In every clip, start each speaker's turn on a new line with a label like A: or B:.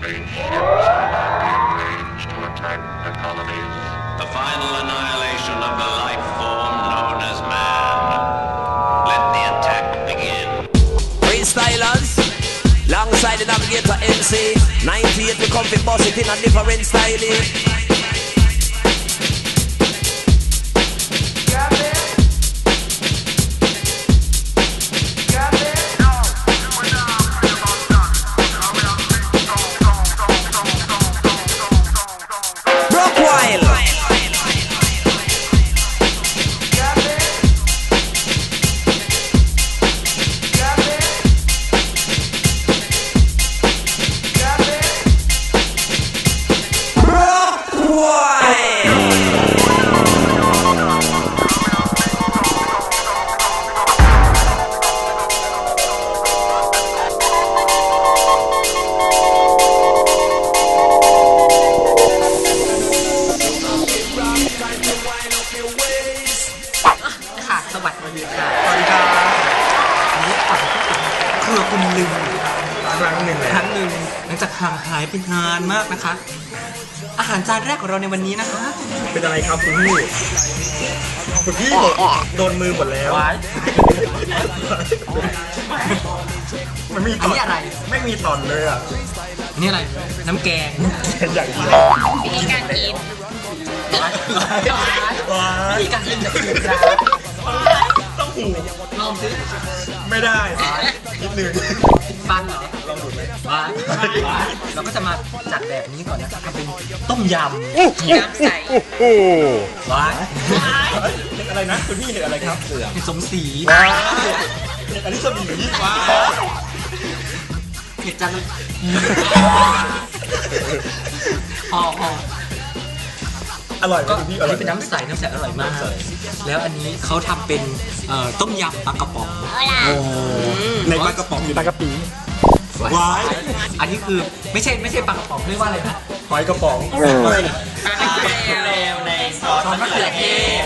A: The final annihilation of the life form known as man. Let the attack begin.
B: Freestylers, alongside the navigator MC. 98 we come fi boss it in a different style.
C: คุณลืมครั้งหนึ่งหลังจากห่างหายไปนานมากนะคะ อาหารจานแรกของเราในวันนี้นะคะ
D: เป็นอะไรครับคุณพี่โดนมือหมดแล้วมันมีตอนอะไรไม่มีตอนเลยอ่ะ
C: นี่อะไรน้ำแกง
D: อย่างนี้
E: มีการกิน
C: มีการกินจะกินจ้า
D: ต้องหู
C: ลองสิ
D: ไม่ได้นิดนึง
C: ฟันเหรอ
D: ลองดูเลย
C: เราก็จะมาจัดแบบนี้ก่อนนะครับทำเป็นต้มยำ
E: น้ำใส
C: ว้าย
D: เห็นอะไรนะคุณพี่เห็นอะไรครับ
C: เห็นสมศรี
D: เห็นอันนี้สมีว้า
C: เห็นจันพอ
D: อร่อยก็พี่
C: อันนี้เป็นน้ำใสอร่อยมากแล้วอันนี้เขาทำเป็นต้มยำปลากระป๋อง
D: ในปลากระป๋องอยู่ปลากระปีว้าย
C: อันนี้คือไม่ใช่ปลากระป๋องเรียกว่าอะไรนะ
D: หอยกระป๋อง
E: ปลากระเทียมในซอส
C: มะเขือเทศ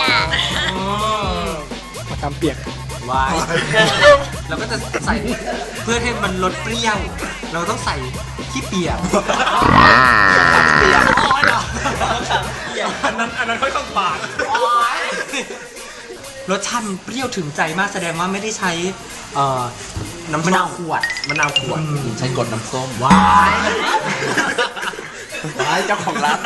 D: มะขามเปียก
C: ว้ายเราก็จะใส่เพื่อให้มันลดเปรี้ยวเราต้องใส่ขี้เปียก
D: อันนั้นค่อยๆปาด
C: รสชาติมันเปรี้ยวถึงใจมากแสดงว่าไม่ได้ใช้น้ำมะนาวขวดใช้กดน้ำส้มว้ายเจ้าของร้าน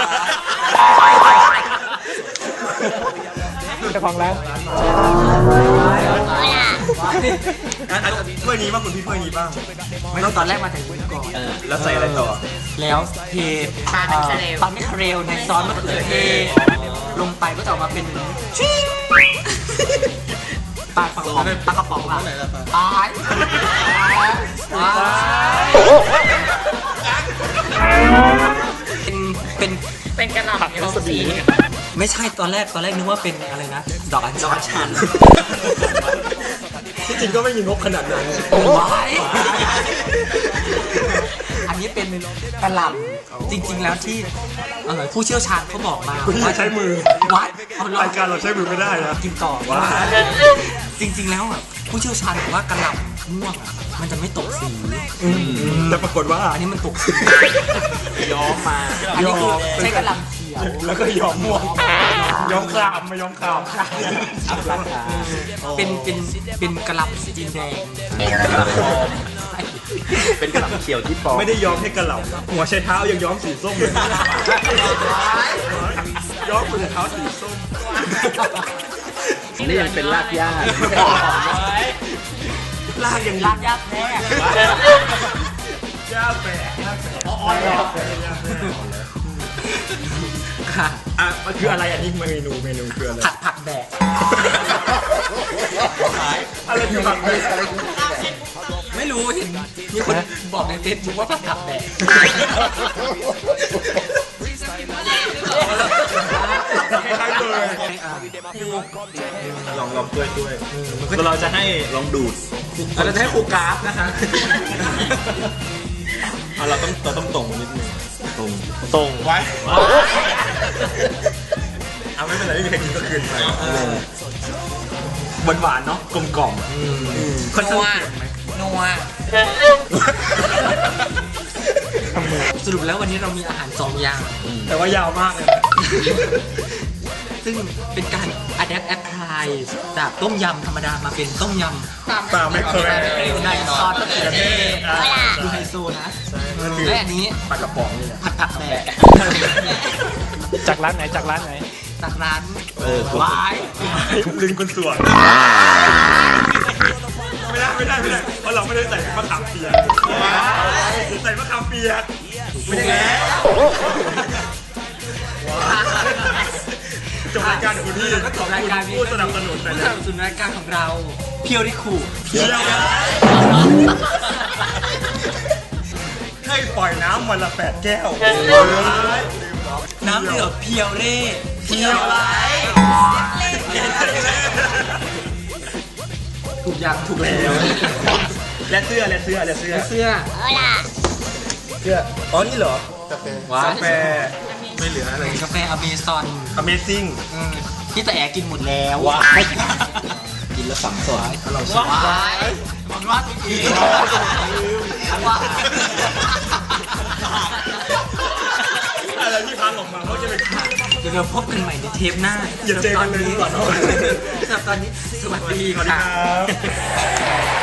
D: ถ้วยนี้บ้างคุณพี่ถ้วยนี้บ้าง
C: ไม่ต้องตอนแรกมาแต่นี้ก่อน
D: แล้วใส่อะไรต่อ
C: แล้วเทปลาแมคเคาเรลในซอสมะเขือเทศลงไปก็จะออกมาเป็นปลากระป๋องอะ
E: เป็นกระหล่ำสี
C: ไม่ใช่ตอนแรกนึกว่าเป็นอะไรนะดอกอัญชัน
D: ที่จริงก็ไม่มีงบขนาดนั้น
C: อันนี้เป็นกระหล่ำจริงๆแล้วที่ผู้เชี่ยวชาญเขาบอกมา
D: ว่าใช้มือ
C: วัด
D: รายการเราใช้มือไม่ได้นะ
C: กินต่อว่าจริงๆแล้วผู้เชี่ยวชาญบอกว่ากระหล่ำม่วงมันจะไม่ตกสี
D: แต่ปรากฏว่า
C: อันนี้มันตกสีย้อมมาอันนี้คือใช้กระหล่ำเขียว
D: แล้วก็ย้อมม่วงย้อมครามมาย้อมคราม
C: เป็นกระหล่ำจีนแดง
D: เป็นกระหล่ำเขียวที่ปอไม่ได้ย้อมให้กระหล่ำหัวใช้เท้ายังย้อมสีส้มเลยย้อมหัวเท้าสีส้ม
C: นี่ยังเป็นรากหญ้ารากยังรากหญ้าแท้
D: หญ้าแฝก
C: ค่ะ
D: มันคืออะไรอันนี้เมนูคืออะไร
C: ผักแบก
D: อะไรคือผักแบก
C: ไม่รู้เห็นมีคนบอกในเฟซบุ๊กว่าผักแบก
D: ใช่เลยลองด้วยเราจะให้ลองดูด
C: เราจะให้ครูกราฟนะคะ
D: เราต้องตรงนิดนึงตรงไว้ไม่เป็นไรไม่มีใครกินก็คืนไปหวานเนาะกลมกล่อม
E: นัว
D: ทำมือ
C: สรุปแล้ววันนี้เรามีอาหาร2 อย่าง
D: แต่ว่ายาวมากเลย
C: ซึ่งเป็นการ adapt apply จากต้มยำธรรมดามาเป็นต้มยำ
D: ปลาไม่เคย
C: ในซอสมะเขือเทศดูไฮโซนะและอันนี้
D: ปลากระป๋องนี่
C: ผัดผักแบก
F: จากร้านไหนจากร้านไหน
C: จากร้านวาย
D: ลิงคนสวยไม่ได้เพราะเราไม่ได้ใส่มะขามเปียกใส่มะขามเปียกไม่ได้แล้วจบรายการคุณพี่
C: ก็จบรายการนี้
D: ผู้สนับสนุน
C: ผู้สนับสนุนรายการของเราเพียวริคู
D: เพียวให้ปล่อยน้ำวันละ8 แก้ว
C: น้ำเดือดเพียวเร่
D: เพียวไร
C: ถูกอย่างถูกแล้ว
D: และเสื้อ
C: เสื้อ
D: อ๋อนี่เหรอ
C: ว้าก
D: าแฟไม่เหลืออะไร
C: กาแฟอเมซอน
D: Amazing
C: ที่ตาแอกินหมดแล้วกินแล้วฝังสวยเราสวยมันว่าอีกว่า
D: อะไรที่พังออกมาเขาจะเป็น
C: เดี๋ยวเราพบกันใหม่ในเทปหน้า
D: อย่าเจอกันเลยดีกว่าเนอะ
C: สำหรับตอนนี้สวัสดี
D: สวัสดี
C: ค่ะ
D: ครับ